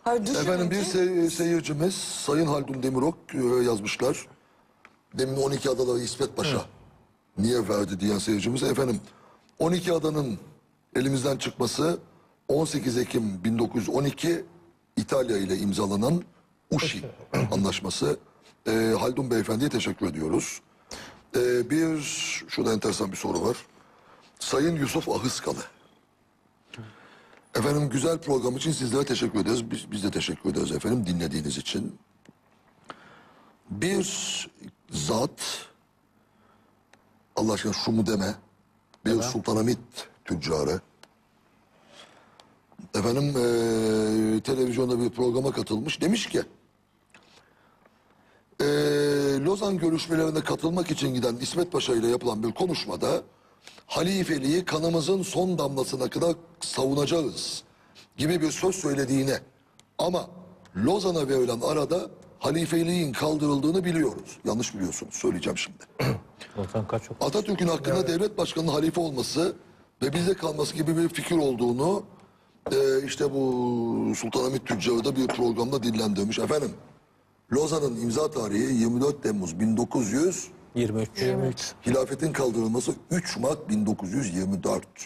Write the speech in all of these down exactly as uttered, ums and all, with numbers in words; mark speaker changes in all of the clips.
Speaker 1: Hayır,
Speaker 2: Efendim bir
Speaker 1: düşününce-
Speaker 2: sey- seyircimiz Sayın Haldun Demirok e, yazmışlar. Demin on iki adaları İsmet Paşa niye verdi diyen seyircimiz. Efendim on iki adanın elimizden çıkması on sekiz Ekim bin dokuz yüz on iki İtalya ile imzalanan Uşi anlaşması. E, Haldun Beyefendi'ye teşekkür ediyoruz. E, bir şurada enteresan bir soru var. Sayın Yusuf Ahıskalı. Efendim güzel program için sizlere teşekkür ederiz. Biz, biz de teşekkür ederiz efendim dinlediğiniz için. Bir zat, Allah aşkına şu mu deme, bir Sultanahmet tüccarı. Efendim eee, televizyonda bir programa katılmış. Demiş ki, eee, Lozan görüşmelerine katılmak için giden İsmet Paşa ile yapılan bir konuşmada halifeliği kanımızın son damlasına kadar savunacağız gibi bir söz söylediğine ama Lozan'a verilen arada halifeliğin kaldırıldığını biliyoruz. Yanlış biliyorsunuz. Söyleyeceğim şimdi.
Speaker 3: Lozan kaç yok?
Speaker 2: Atatürk'ün hakkında devlet başkanının halife olması ve bizde kalması gibi bir fikir olduğunu e, işte bu Sultanahmet Tüccarı da bir programda dillendirmiş. Efendim Lozan'ın imza tarihi yirmi dört Temmuz bin dokuz yüz
Speaker 3: yirmi üç.
Speaker 1: yirmi üç.
Speaker 2: hilafetin kaldırılması üç Mart bin dokuz yüz yirmi dört.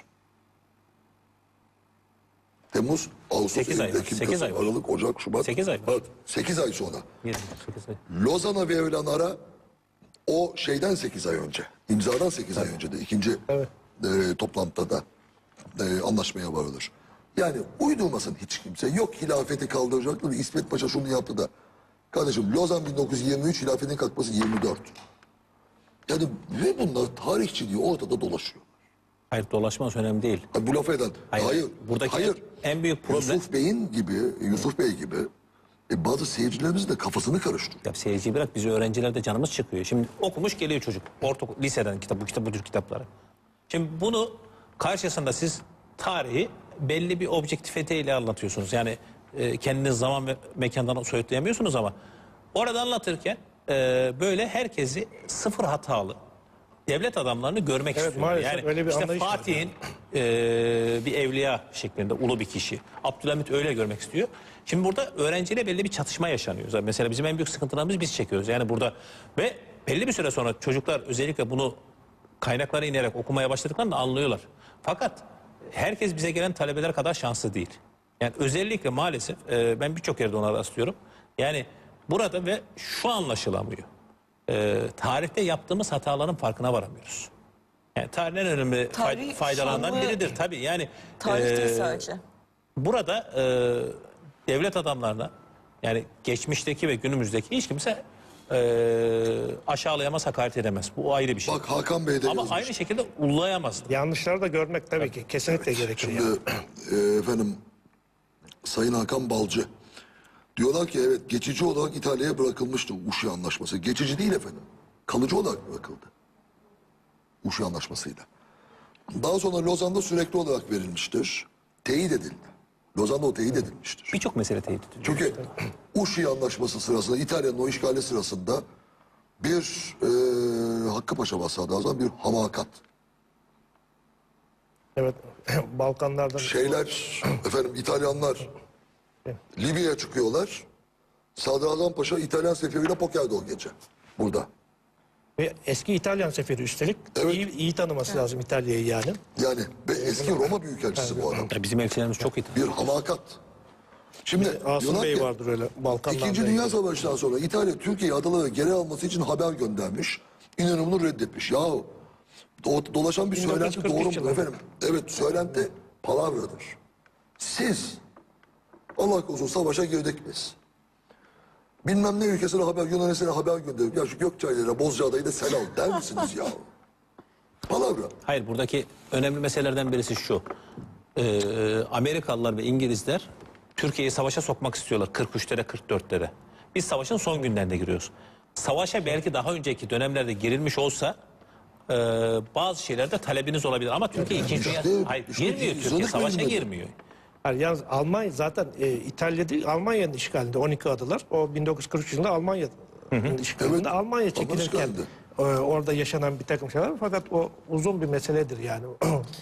Speaker 2: Temmuz, Ağustos,
Speaker 3: Sekiz ay
Speaker 2: Eylül,
Speaker 3: var,
Speaker 2: Ekim,
Speaker 3: sekiz
Speaker 2: Kasım,
Speaker 3: ay var.
Speaker 2: Aralık, Ocak, Şubat.
Speaker 3: Sekiz ay var.
Speaker 2: Evet, sekiz ay sonra.
Speaker 3: yirmi sekiz ay.
Speaker 2: Lozan'a verilen ara o şeyden sekiz ay önce. İmzadan sekiz ay önce de ikinci
Speaker 4: Evet.
Speaker 2: e, toplantıda da e, anlaşmaya varılır. Yani uydurmasın hiç kimse. Yok hilafeti kaldıracaktı da İsmet Paşa şunu yaptı da. Kardeşim Lozan bin dokuz yüz yirmi üç hilafetin kalkması yirmi dört. Yani ve bunlar tarihçiliği ortada dolaşıyor.
Speaker 3: Hayır, dolaşması önemli değil.
Speaker 2: Ha, bu lafı eden.
Speaker 3: Hayır,
Speaker 2: Hayır.
Speaker 3: buradaki
Speaker 2: hayır.
Speaker 3: en büyük problem-
Speaker 2: Yusuf Bey'in gibi, Yusuf Bey gibi e, bazı seyircilerimizin de kafasını karıştırıyor.
Speaker 3: Ya seyirciyi bırak, bizi öğrencilerde canımız çıkıyor. Şimdi okumuş geliyor çocuk. Orta liseden kitap, bu kitap, bu tür kitapları. Şimdi bunu karşısında siz tarihi belli bir objektifiteyle anlatıyorsunuz. Yani e, kendiniz zaman ve mekandan soyutlayamıyorsunuz ama orada anlatırken e, böyle herkesi sıfır hatalı devlet adamlarını görmek
Speaker 4: Evet,
Speaker 3: istiyor.
Speaker 4: maalesef
Speaker 3: Yani
Speaker 4: öyle bir
Speaker 3: işte
Speaker 4: anlayış var.
Speaker 3: Fatih'in e, bir evliya şeklinde ulu bir kişi. Abdülhamit öyle görmek istiyor. Şimdi burada öğrenciyle belli bir çatışma yaşanıyor. Mesela bizim en büyük sıkıntılarımız biz çekiyoruz. Yani burada ve belli bir süre sonra çocuklar özellikle bunu kaynaklara inerek okumaya başladıklarında anlıyorlar. Fakat herkes bize gelen talebeler kadar şanslı değil. Yani özellikle maalesef e, ben birçok yerde ona rastlıyorum. Yani burada ve şu anlaşılamıyor. E, tarihte yaptığımız hataların farkına varamıyoruz. Yani tarihin en önemli fay-
Speaker 1: Tarih
Speaker 3: faydalarından
Speaker 1: şanlı-
Speaker 3: biridir tabii. Yani
Speaker 1: Tarih değil
Speaker 3: e,
Speaker 1: sadece.
Speaker 3: burada e, devlet adamlarına yani geçmişteki ve günümüzdeki hiç kimse e, aşağılayamaz, hakaret edemez. Bu ayrı bir şey.
Speaker 2: Bak Hakan Bey de
Speaker 3: Ama
Speaker 2: yazmış.
Speaker 3: aynı şekilde ullayamaz.
Speaker 4: Yanlışları da görmek tabii ki kesinlikle gerekir.
Speaker 2: Şimdi
Speaker 4: yani.
Speaker 2: e, efendim Sayın Hakan Balcı diyorlar ki evet geçici olarak İtalya'ya bırakılmıştı Uşi Anlaşması. Geçici değil efendim. Kalıcı olarak bırakıldı. Uşi Anlaşması'yla. Daha sonra Lozan'da sürekli olarak verilmiştir. Teyit edildi. Lozan'da o teyit edilmiştir.
Speaker 3: Birçok mesele teyit ediliyor.
Speaker 2: Çünkü Uşi Anlaşması sırasında İtalya'nın o işgali sırasında bir e, Hakkı Paşa Sadrazam bir hamakat.
Speaker 4: Evet. Balkanlardan
Speaker 2: Şeyler efendim İtalyanlar Libya'ya çıkıyorlar. Sadrazam Paşa İtalyan seferiyle pokerde o gece. Burada.
Speaker 4: ve eski İtalyan seferi üstelik
Speaker 2: Evet.
Speaker 4: iyi, iyi tanıması lazım İtalya'yı yani.
Speaker 2: Yani ve eski Roma Büyükelçisi bu adam.
Speaker 3: Ya bizim elçilerimiz çok iyi.
Speaker 2: Bir hamakat. Şimdi
Speaker 4: Asım
Speaker 2: diyorlar
Speaker 4: Bey
Speaker 2: ki,
Speaker 4: vardır öyle Balkanlardan.
Speaker 2: İkinci Dünya Savaşı'ndan sonra İtalya Türkiye'yi adaları geri alması için haber göndermiş. İnönü bunu reddetmiş. Yahu do- dolaşan bir
Speaker 4: bin dokuz yüz
Speaker 2: söylenti
Speaker 4: kırk üç
Speaker 2: doğru mu
Speaker 4: yılında.
Speaker 2: efendim? Evet söylenti palavradır. Siz Allah korusun savaşa girdik biz. Bilmem ne ülkesine haber, Yunanistan'a haber gönderip ya şu Gökçaylar'a Bozcaada'yı da sen al der misiniz ya? Palavra.
Speaker 3: Hayır, buradaki önemli meselelerden birisi şu. Ee, Amerikalılar ve İngilizler Türkiye'yi savaşa sokmak istiyorlar kırk üçlere kırk dörtlere. Biz savaşın son günlerinde giriyoruz. Savaşa belki daha önceki dönemlerde girilmiş olsa e, bazı şeylerde talebiniz olabilir ama Türkiye ikinci dünya
Speaker 2: işte-
Speaker 3: hayır
Speaker 2: işte
Speaker 3: girmiyor,
Speaker 2: izledik
Speaker 3: Türkiye savaşa
Speaker 2: benim de.
Speaker 3: girmiyor.
Speaker 4: Yani yalnız Almanya zaten e, İtalya değil Almanya'nın işgalinde on iki adalar. O bin dokuz yüz kırk üç yılında Almanya'nın işgalinde.
Speaker 2: Evet,
Speaker 4: Almanya
Speaker 2: Alman
Speaker 4: çekilirken
Speaker 2: işgalinde.
Speaker 4: e, orada yaşanan bir takım şeyler var. Fakat o uzun bir meseledir yani.